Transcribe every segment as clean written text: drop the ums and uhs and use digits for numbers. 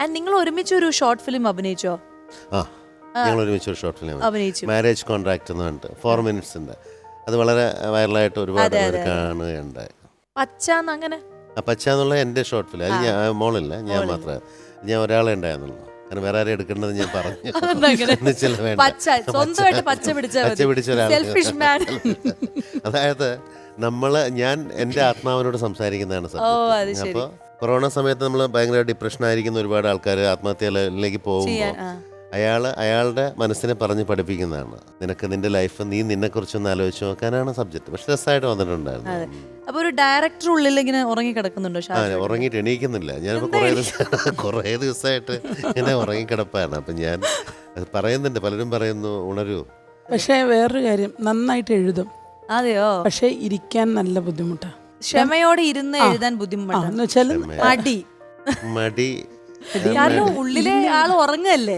നിങ്ങൾ ഒരുമിച്ച് ഒരു ഷോർട്ട് ഫിലിം അഭിനയിച്ചോ? ഞങ്ങൾ ഒരുമിച്ച് ഒരു ഷോർട്ട് ഫിലിം അഭിനയിച്ചു. മാരേജ് കോൺട്രാക്ട് എന്ന് പറഞ്ഞിട്ട് 4 minutesന്റെ അത് വളരെ വൈറലായിട്ട് ഒരുപാട് പേര് കാണുകയുണ്ടായി. അങ്ങനെ പച്ച എന്നുള്ള എൻ്റെ ഷോർട്ട് ഫിലിം. അത് ഞാൻ മോളില്ല, ഞാൻ മാത്രമേ, ഞാൻ ഒരാളെ ഉണ്ടായിരുന്നുള്ളൂ. കാരണം വേറെ ആരും എടുക്കേണ്ടത് ഞാൻ പറഞ്ഞു. പച്ച പിടിച്ച ഒരാൾ. അതായത് ഞാൻ എൻ്റെ ആത്മാവിനോട് സംസാരിക്കുന്നതാണ് സത്യം. അപ്പോൾ കൊറോണ സമയത്ത് നമ്മൾ ഭയങ്കര ഡിപ്രഷൻ ആയിരിക്കുന്ന ഒരുപാട് ആൾക്കാർ ആത്മഹത്യയിലേക്ക് പോകുമ്പോൾ അയാളുടെ മനസ്സിനെ പറഞ്ഞ് പഠിപ്പിക്കുന്നതാണ്. നിനക്ക് നിന്റെ ലൈഫ് നീ നിന്നെക്കുറിച്ചൊന്ന് ആലോചിച്ച് നോക്കാനാണ് സബ്ജക്ട്. പക്ഷെ രസമായിട്ട് വന്നിട്ടുണ്ടായിരുന്നു. അപ്പൊ ഒരു ഡയറക്ടർ ഉള്ളിൽ ഇങ്ങനെ ഉറങ്ങി കിടക്കുന്നുണ്ടോ? ഉറങ്ങിയിട്ട് എണീക്കുന്നില്ല. ഞാനിപ്പോൾ കുറേ ദിവസമായിട്ട് ഇങ്ങനെ ഉറങ്ങിക്കിടപ്പാണ്. അപ്പം ഞാൻ പറയുന്നുണ്ട്, പലരും പറയുന്നു ഉണരൂ. പക്ഷേ വേറൊരു കാര്യം, നന്നായിട്ട് എഴുതും. അതെയോ? പക്ഷെ ഇരിക്കാൻ നല്ല ബുദ്ധിമുട്ടാണ്. ക്ഷമയോടെ ഇരുന്ന് എഴുതാൻ ബുദ്ധിമുട്ടാണ്. മടി കാരണം ഉള്ളിലെ ആള് ഉറങ്ങല്ലേ.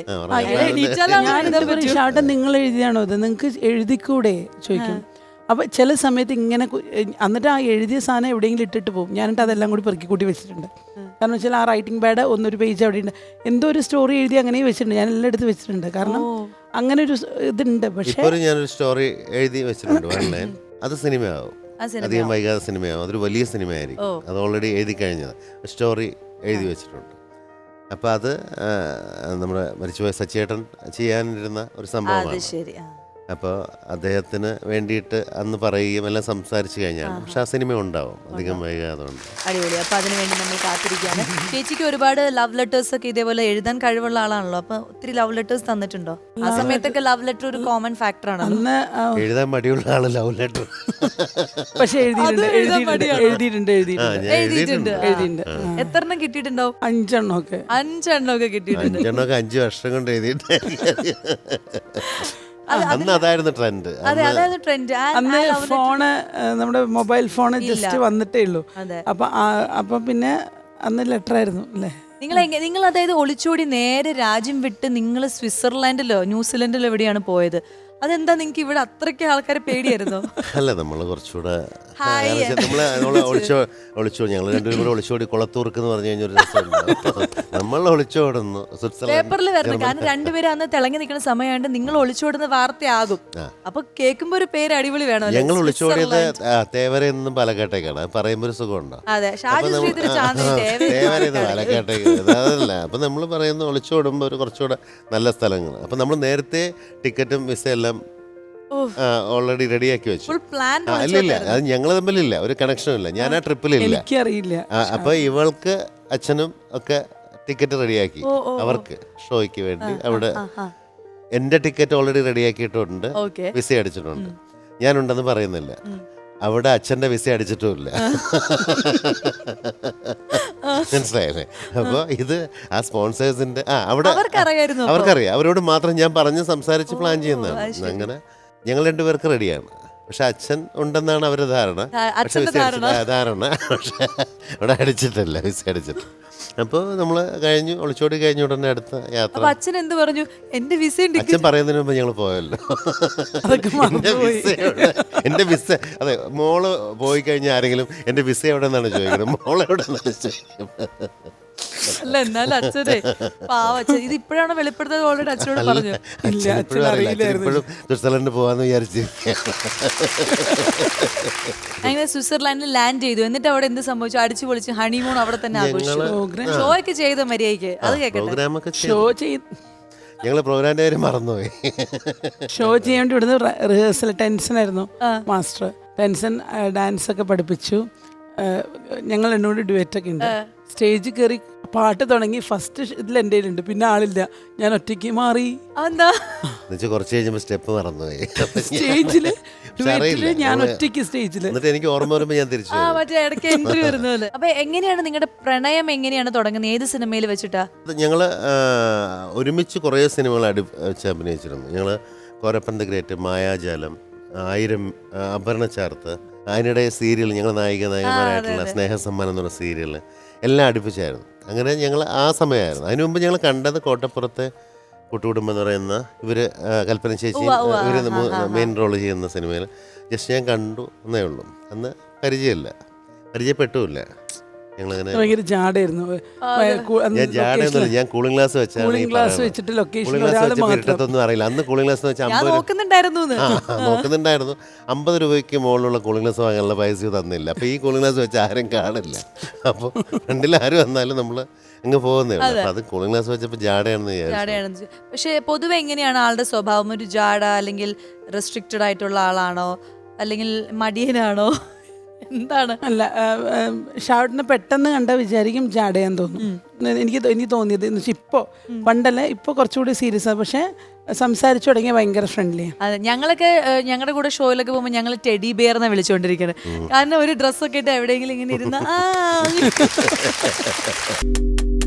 നിങ്ങൾ എഴുതിയാണോ അത്? നിങ്ങൾക്ക് എഴുതിക്കൂടെ ചോദിക്കും. അപ്പൊ ചില സമയത്ത് ഇങ്ങനെ എന്നിട്ട് ആ എഴുതിയ സാധനം എവിടെയെങ്കിലും ഇട്ടിട്ട് പോകും. ഞാനിട്ട് അതെല്ലാം കൂടി പെറുക്കി കൂട്ടി വെച്ചിട്ടുണ്ട്. കാരണം വെച്ചാൽ ആ റൈറ്റിംഗ് പാഡ് ഒന്നൊരു പേജ് അവിടെ ഉണ്ട്. എന്തോ ഒരു സ്റ്റോറി എഴുതി അങ്ങനെ വെച്ചിട്ടുണ്ട്. ഞാൻ എല്ലാം എടുത്ത് വെച്ചിട്ടുണ്ട്. കാരണം അങ്ങനെ ഒരു ഇതുണ്ട്. പക്ഷേ ഞാനൊരു സ്റ്റോറി എഴുതി വെച്ചിട്ടുണ്ട്. അത് സിനിമയാവും, അധികം വൈകാതെ സിനിമയാവും. അതൊരു വലിയ സിനിമയായിരിക്കും. അത് ഓൾറെഡി എഴുതി കഴിഞ്ഞത്, സ്റ്റോറി എഴുതി വെച്ചിട്ടുണ്ട്. അപ്പം അത് നമ്മുടെ മരിച്ചുപോയ സച്ചേട്ടൻ ചെയ്യാനിരുന്ന ഒരു സംഭവമാണ്. അപ്പോൾ അദ്ദേഹത്തിന് വേണ്ടിയിട്ട് അന്ന് പറയുകയും എല്ലാം സംസാരിച്ചു കഴിഞ്ഞാണ്. പക്ഷെ ആ സിനിമ ഉണ്ടാവും അധികം വൈകാതെ. അടിപൊളി. അപ്പൊ അതിനുവേണ്ടി നമ്മൾ കാത്തിരിക്കുകയാണ്. ചേച്ചിക്ക് ഒരുപാട് ലവ് ലെറ്റേഴ്സ് ഒക്കെ ഇതേപോലെ എഴുതാൻ കഴിവുള്ള ആളാണല്ലോ. അപ്പൊ ഒത്തിരി ലവ് ലെറ്റേഴ്സ് തന്നിട്ടുണ്ടോ? ആ സമയത്തൊക്കെ ലവ് ലെറ്റർ ഒരു കോമൺ ഫാക്ടർ ആണ്. എഴുതാൻ മടിയുള്ള ആള് ലവ് ലെറ്റർ പക്ഷെ എഴുതിയിട്ടുണ്ട്. എത്രണ്ണം കിട്ടിയിട്ടുണ്ടാവും? 5 ഒക്കെ കിട്ടിയിട്ടുണ്ട്. 5 വർഷം കൊണ്ട് എഴുതിയിട്ട്. അന്ന് അതായിരുന്നു ട്രെൻഡ്. അന്ന് ഫോണ്, നമ്മുടെ മൊബൈൽ ഫോണ് ജസ്റ്റ് വന്നിട്ടേ ഉള്ളൂ. അപ്പൊ പിന്നെ അന്ന് ലെറ്റർ ആയിരുന്നു അല്ലേ? നിങ്ങൾ അതായത് ഒളിച്ചോടി നേരെ രാജ്യം വിട്ട് നിങ്ങൾ സ്വിറ്റ്സർലാൻഡിലോ ന്യൂസിലൻഡിലോ എവിടെയാണ് പോയത്? അതെന്താ നിങ്ങൾക്ക് ഇവിടെ അത്രയ്ക്ക് ആൾക്കാരെ പേടിയായിരുന്നോ? അല്ല, നമ്മള് കുറച്ചുകൂടെ ഒളിച്ചോടി, ഞങ്ങൾ രണ്ടുപേരും കൂടെ ഒളിച്ചോടി കുളത്തൂർക്ക് എന്ന് പറഞ്ഞു കഴിഞ്ഞൊരു നമ്മൾ ഒളിച്ചോടുന്നു പേപ്പറിൽ വരണം. കാരണം രണ്ടുപേരും അന്ന് തിളങ്ങി നിൽക്കുന്ന സമയമായിട്ട് നിങ്ങൾ ഒളിച്ചോടുന്ന വാർത്തയാകും. അപ്പൊ കേൾക്കുമ്പോ ഒരു പേര് അടിപൊളി വേണം. ഞങ്ങൾ ഒളിച്ചോടിയത് തേവരയിൽ നിന്നും പാലക്കാട്ടേക്കാണ്. പറയുമ്പോ ഒരു സുഖമുണ്ടോ? തേവരയിൽ പാലക്കാട്ടേക്ക് അതല്ല. അപ്പൊ നമ്മൾ പറയുന്ന ഒളിച്ചോടുമ്പോ ഒരു കുറച്ചുകൂടെ നല്ല സ്ഥലങ്ങൾ. അപ്പൊ നമ്മൾ നേരത്തെ ടിക്കറ്റും വിസ എല്ലാം ഓൾറെഡി റെഡിയാക്കി വെച്ചു. ഇല്ല, അത് ഞങ്ങൾ തമ്മിലില്ല, ഒരു കണക്ഷനും ഇല്ല. ഞാൻ ആ ട്രിപ്പിലില്ല. അപ്പൊ ഇവൾക്ക് അച്ഛനും ഒക്കെ ടിക്കറ്റ് റെഡിയാക്കി അവർക്ക് ഷോയ്ക്ക് വേണ്ടി. അവിടെ എന്റെ ടിക്കറ്റ് ഓൾറെഡി റെഡിയാക്കിയിട്ടുണ്ട്, വിസ അടിച്ചിട്ടുണ്ട്. ഞാനുണ്ടെന്ന് പറയുന്നില്ല. അവിടെ അച്ഛൻ്റെ വിസ അടിച്ചിട്ടുമില്ല. മനസ്സിലായല്ലേ? അപ്പോൾ ഇത് ആ സ്പോൺസേഴ്സിന്റെ അവിടെ അവർക്കറിയാം. അവരോട് മാത്രം ഞാൻ പറഞ്ഞ് സംസാരിച്ച് പ്ലാൻ ചെയ്യുന്നതാണ്. അങ്ങനെ ഞങ്ങൾ 2 പേർക്ക് റെഡിയാണ്. പക്ഷെ അച്ഛൻ ഉണ്ടെന്നാണ് അവരുടെ ധാരണ. പക്ഷെ പക്ഷെ അവിടെ അടിച്ചിട്ടില്ല, വിസ അടിച്ചിട്ട്. അപ്പോൾ നമ്മൾ കഴിഞ്ഞു, ഒളിച്ചോടി കഴിഞ്ഞ ഉടനെ അടുത്ത യാത്ര. അച്ഛൻ എന്ത് പറഞ്ഞു? എന്റെ വിസ അച്ഛൻ പറയുന്നതിന് മുമ്പ് ഞങ്ങൾ പോയല്ലോ. എന്റെ വിസ, അതെ, മോള് പോയി കഴിഞ്ഞാൽ ആരെങ്കിലും എന്റെ വിസ എവിടെ നിന്നാണ് ചോദിക്കുന്നത്, മോളെവിടെ നിന്നാണ് ചോദിക്കുന്നത്. അല്ല, എന്നാലും അച്ഛനെ പാവച്ഛൻ ഇത് ഇപ്പോഴാണ് വെളിപ്പെടുത്തത്. ഓൾറെഡി അച്ഛനോട് പറഞ്ഞു. ഇപ്പോഴും സ്വിറ്റ്സർലൻഡ് പോവാന്ന് വിചാരിച്ചിരിക്കുകയാണ്. അങ്ങനെ സ്വിറ്റ്സർലാൻഡിൽ ലാൻഡ് ചെയ്തു. എന്നിട്ട് അവിടെ എന്ത് സംഭവിച്ചു? അടിച്ചു പൊളിച്ച് ഹണിമൂൺ അവിടെ തന്നെ ആഘോഷിച്ചു. ഷോ ഒക്കെ ചെയ്ത മര്യാദയ്ക്ക്. അത് കേൾക്കട്ടെ. ഞങ്ങള് പ്രോഗ്രാമിന്റെ കാര്യം മറന്നുപോയി. ഷോ ചെയ്യാൻ വേണ്ടി ഇവിടുന്ന് റിഹേഴ്സൽ ടെൻഷനായിരുന്നു. മാസ്റ്റർ ടെൻഷൻ ഡാൻസ് ഒക്കെ പഠിപ്പിച്ചു. ഞങ്ങൾ എന്നോട് ഡുവറ്റൊക്കെ ഉണ്ട്. സ്റ്റേജിൽ കയറി പാട്ട് തുടങ്ങി. ഫസ്റ്റ് ഇതിൽ എൻ്റെ കയ്യിലുണ്ട്, പിന്നെ ആളില്ല. ഞാൻ ഒറ്റയ്ക്ക് മാറി. കുറച്ച് കഴിഞ്ഞപ്പോ സ്റ്റെപ്പ് മറന്നുപോയി സ്റ്റേജില്. ഞാൻ ഒറ്റയ്ക്ക് സ്റ്റേജില്. എന്നിട്ട് എനിക്ക് ഓർമ്മ വരുമ്പോ ഞാൻ തിരിച്ചു ഇടയ്ക്ക് എൻട്രി വരുന്നത്. അപ്പൊ എങ്ങനെയാണ് നിങ്ങളുടെ പ്രണയം എങ്ങനെയാണ് തുടങ്ങുന്നത്? ഏത് സിനിമയിൽ വെച്ചിട്ടാ? ഞങ്ങള് ഒരുമിച്ച് കുറേ സിനിമകൾ വെച്ച് അഭിനയിച്ചിരുന്നു. ഞങ്ങള് കോരപ്പൻ ദ ഗ്രേറ്റ്, മായാജാലം, 1000, അപർണ ചാർത്ത്, അതിനിടെ സീരിയൽ, ഞങ്ങൾ നായികമാരായിട്ടുള്ള സ്നേഹസമ്മാനം എന്ന് പറഞ്ഞ സീരിയൽ എല്ലാം അടുപ്പിച്ചായിരുന്നു. അങ്ങനെ ഞങ്ങൾ ആ സമയമായിരുന്നു. അതിനു മുമ്പ് ഞങ്ങൾ കണ്ടത് കോട്ടപ്പുറത്തെ കൂട്ടുകുടുംബം എന്ന് പറയുന്ന ഇവര് കൽപ്പന ചേച്ചി, ഇവർ മെയിൻ റോൾ ചെയ്യുന്ന സിനിമയിൽ ജസ്റ്റ് ഞാൻ കണ്ടു എന്നേ ഉള്ളൂ. അന്ന് പരിചയപ്പെട്ടുമില്ല. ഞങ്ങളങ്ങനെ ഭയങ്കര ജാടായിരുന്നു. ഞാൻ ജാടയൊന്നുമില്ല, ഞാൻ കൂളിംഗ് ഗ്ലാസ് വെച്ചാണ് കൂളിംഗ് ഗ്ലാസ് വെച്ചിട്ട് ലൊക്കേഷൻ കൂളിംഗ് ഗ്ലാസ് ഒരാൾ വെച്ചപ്പോൾ മാത്രം. ഇരുട്ടത്തൊന്നും അറിയില്ല. അന്ന് കൂളിംഗ് ഗ്ലാസ് വെച്ചാൽ ഞാൻ 50 നോക്കുന്നുണ്ടായിരുന്നു നോക്കുന്നുണ്ടായിരുന്നു. 50 രൂപയ്ക്ക് മുകളിലുള്ള കൂളിംഗ് ഗ്ലാസ് വാങ്ങാനുള്ള പൈസ തന്നില്ല. അപ്പോൾ ഈ കൂളിംഗ് ഗ്ലാസ് വെച്ച് ആരും കാണില്ല. അപ്പോൾ ഫ്രണ്ടിൽ ആരും വന്നാലും നമ്മൾ അങ്ങ് പോകുന്നേ ഉള്ളൂ. അപ്പോൾ അത് കൂളിംഗ് ഗ്ലാസ് വെച്ചപ്പോൾ ജാടയാണെന്ന് വിചാരിച്ചു. ജാടയാണെന്ന്. പക്ഷെ പൊതുവെ എങ്ങനെയാണ് ആളുടെ സ്വഭാവം? ഒരു ജാട അല്ലെങ്കിൽ റെസ്ട്രിക്റ്റഡ് ആയിട്ടുള്ള ആളാണോ അല്ലെങ്കിൽ മടിയനാണോ, എന്താണ്? അല്ല, ഷാർട്ടിനെ പെട്ടെന്ന് കണ്ടാൽ വിചാരിക്കും ജാടയാന്ന് തോന്നും. എനിക്ക് തോന്നിയത് എന്ന് വെച്ചാൽ ഇപ്പോൾ പണ്ടല്ല, ഇപ്പോൾ കുറച്ചുകൂടി സീരിയസ് ആണ്. പക്ഷേ സംസാരിച്ചു തുടങ്ങിയ ഭയങ്കര ഫ്രണ്ട്ലിയാണ്. അതെ, ഞങ്ങളൊക്കെ ഞങ്ങളുടെ കൂടെ ഷോയിലൊക്കെ പോകുമ്പോൾ ഞങ്ങൾ ടെഡി ബിയർ എന്നാണ് വിളിച്ചുകൊണ്ടിരിക്കുന്നത്. കാരണം ഒരു ഡ്രസ്സൊക്കെ ഇട്ട് എവിടെയെങ്കിലും ഇങ്ങനെ ഇരുന്ന്